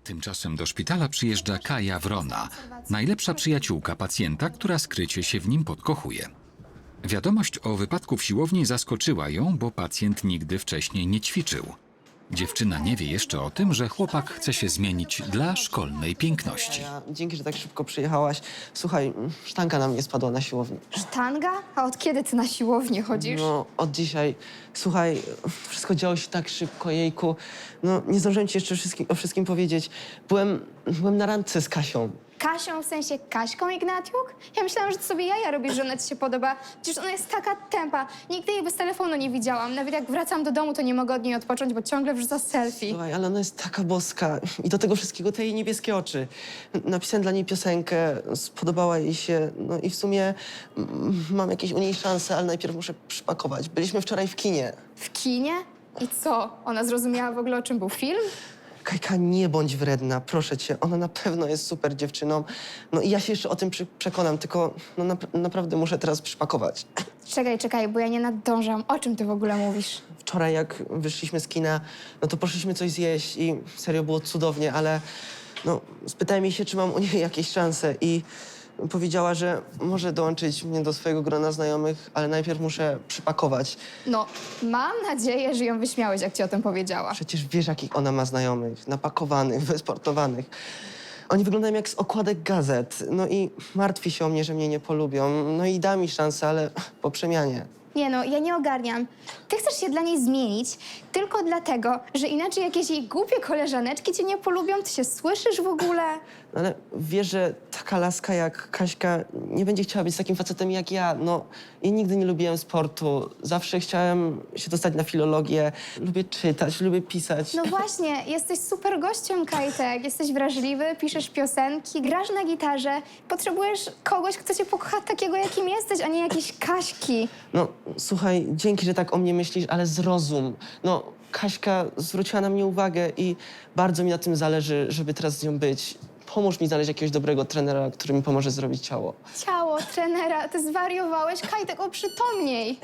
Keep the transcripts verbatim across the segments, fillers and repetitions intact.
Tymczasem do szpitala przyjeżdża Kaja Wrona, najlepsza przyjaciółka pacjenta, która skrycie się w nim podkochuje. Wiadomość o wypadku w siłowni zaskoczyła ją, bo pacjent nigdy wcześniej nie ćwiczył. Dziewczyna nie wie jeszcze o tym, że chłopak chce się zmienić dla szkolnej piękności. Ja, dzięki, że tak szybko przyjechałaś. Słuchaj, sztanka na mnie spadła na siłowni. Sztanga? A od kiedy ty na siłownię chodzisz? No, od dzisiaj. Słuchaj, wszystko działo się tak szybko, jejku. No, nie zdążyłem ci jeszcze wszystkim, o wszystkim powiedzieć. Byłem, byłem na randce z Kasią. Kasią, w sensie Kaśką Ignatiuk? Ja myślałam, że to sobie jaja robisz, że ona ci się podoba. Przecież ona jest taka tempa. Nigdy jej bez telefonu nie widziałam. Nawet jak wracam do domu, to nie mogę od niej odpocząć, bo ciągle wrzuca selfie. Słuchaj, ale ona jest taka boska. I do tego wszystkiego te jej niebieskie oczy. Napisałem dla niej piosenkę, spodobała jej się. No i w sumie mm, mam jakieś u niej szanse, ale najpierw muszę przypakować. Byliśmy wczoraj w kinie. W kinie? I co? Ona zrozumiała w ogóle, o czym był film? Kajka, nie bądź wredna, proszę cię. Ona na pewno jest super dziewczyną. No i ja się jeszcze o tym przy przekonam, tylko no, nap naprawdę muszę teraz przypakować. Czekaj, czekaj, bo ja nie nadążam. O czym ty w ogóle mówisz? Wczoraj, jak wyszliśmy z kina, no to poszliśmy coś zjeść i serio było cudownie, ale no, spytałem jej się, czy mam u niej jakieś szanse i powiedziała, że może dołączyć mnie do swojego grona znajomych, ale najpierw muszę przypakować. No, mam nadzieję, że ją wyśmiałeś, jak ci o tym powiedziała. Przecież wiesz, jakich ona ma znajomych, napakowanych, wysportowanych. Oni wyglądają jak z okładek gazet. No i martwi się o mnie, że mnie nie polubią. No i da mi szansę, ale po przemianie. Nie no, ja nie ogarniam. Ty chcesz się dla niej zmienić tylko dlatego, że inaczej jakieś jej głupie koleżaneczki cię nie polubią? Ty się słyszysz w ogóle? No ale wiesz, że taka laska jak Kaśka nie będzie chciała być z takim facetem jak ja. No, ja nigdy nie lubiłem sportu. Zawsze chciałem się dostać na filologię. Lubię czytać, lubię pisać. No właśnie, jesteś super gościem, Kajtek. Jesteś wrażliwy, piszesz piosenki, grasz na gitarze. Potrzebujesz kogoś, kto cię pokocha takiego, jakim jesteś, a nie jakiejś Kaśki. No, słuchaj, dzięki, że tak o mnie myślisz, ale zrozum. No, Kaśka zwróciła na mnie uwagę i bardzo mi na tym zależy, żeby teraz z nią być. Pomóż mi znaleźć jakiegoś dobrego trenera, który mi pomoże zrobić ciało. Ciało, trenera, ty zwariowałeś? Kajtek, oprzytomniej.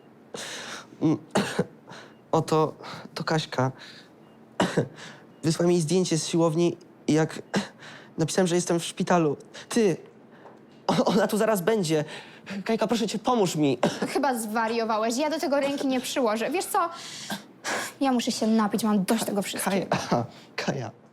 Oto, to Kaśka. Wysłała mi zdjęcie z siłowni i jak napisałem, że jestem w szpitalu. Ty, o- ona tu zaraz będzie. Kajka, proszę cię, pomóż mi. Chyba zwariowałeś. Ja do tego ręki nie przyłożę. Wiesz co? Ja muszę się napić, mam dość tego wszystkiego. Kaja, Kaja.